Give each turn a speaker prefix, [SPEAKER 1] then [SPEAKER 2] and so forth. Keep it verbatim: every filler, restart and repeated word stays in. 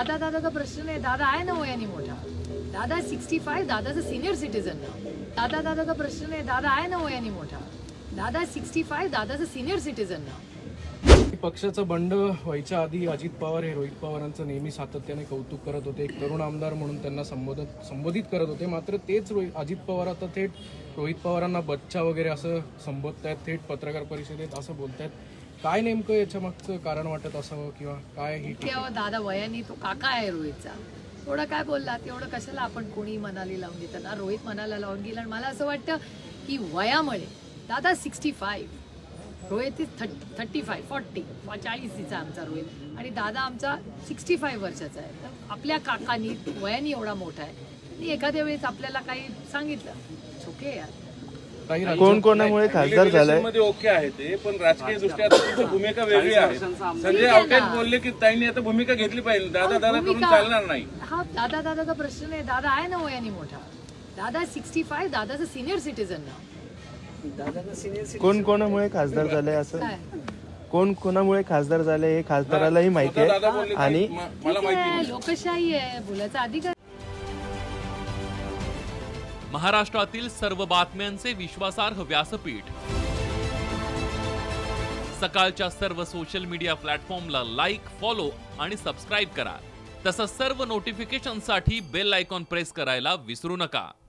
[SPEAKER 1] दादा दादा का प्रश्न नाही, दादा आहे ना वयाने मोठा. दादा सिक्स्टी फाईव्ह, दादाचं सिनियर सिटीजन ना. दादा दादा का प्रश्न नाही, दादा आहे ना वयाने मोठा. दादा सिक्स्टी फाईव्ह, दादाचं सिनियर सिटीजन ना.
[SPEAKER 2] पक्षाचं बंड व्हायच्या आधी अजित पवार हे रोहित पवारांचं नेहमी सातत्याने कौतुक करत होते. एक तरुण आमदार म्हणून त्यांना संबोधित संबोधित करत होते. मात्र तेच रोहित अजित पवार आता थेट रोहित पवारांना बच्चा वगैरे असं संबोधतायत, थेट पत्रकार परिषदेत असं बोलतायत. काय नेमकं याच्या मागचं कारण वाटत असावं किंवा काय ही
[SPEAKER 1] तेव्हा दादा वयाने तो काका आहे रोहितचा, थोडं काय बोलला तेवढं कशाला आपण कोणी मनाली लावून घेतात ना. रोहित मनाला लावून गेला. आणि मला असं वाटतं की वयामुळे दादा sixty five, Rohit is thirty thirty five forty चाळीसीचा आमचा रोहित, आणि दादा आमचा सिक्स्टी फाईव्ह वर्षाचा आहे. तर आपल्या काकांनी वयाने एवढा मोठा आहे आणि एखाद्या वेळेस आपल्याला काही सांगितलं ओके यार.
[SPEAKER 3] कोण कोणामुळे खासदार झालाय
[SPEAKER 4] मध्ये ओके आहे ते, पण राजकीय दृष्ट्या तुमची भूमिका वेगळी आहे. संजय आवटे बोलले की ताईंनी आता भूमिका घेतली पाहिजे, दादा दादा करून चालणार नाही.
[SPEAKER 1] हा दादा दादा का प्रश्न नाही, दादा आहे ना वयाने मोठा. दादा सिक्स्टी फाईव्ह, दादाचं सिनियर सिटीजन ना.
[SPEAKER 3] कोण कोणामुळे खासदार झाले असं
[SPEAKER 1] काय
[SPEAKER 3] कोण कोणामुळे खासदार झाले हे खासदारालाही माहिती
[SPEAKER 4] स्वतः दादा
[SPEAKER 3] आहे.
[SPEAKER 4] बोलले
[SPEAKER 3] आणि
[SPEAKER 4] की म- मला माहिती
[SPEAKER 1] आहे,
[SPEAKER 4] नाही.
[SPEAKER 1] लोकशाही आहे, बोलायचा अधिकार.
[SPEAKER 5] महाराष्ट्रातील सर्व बातम्यांचे विश्वासार्ह व्यासपीठ. सकाळच्या सर्व सोशल मीडिया प्लॅटफॉर्मला लाईक, फॉलो आणि सबस्क्राईब करा. तसंच सर्व नोटिफिकेशनसाठी बेल आयकॉन प्रेस करायला विसरू नका.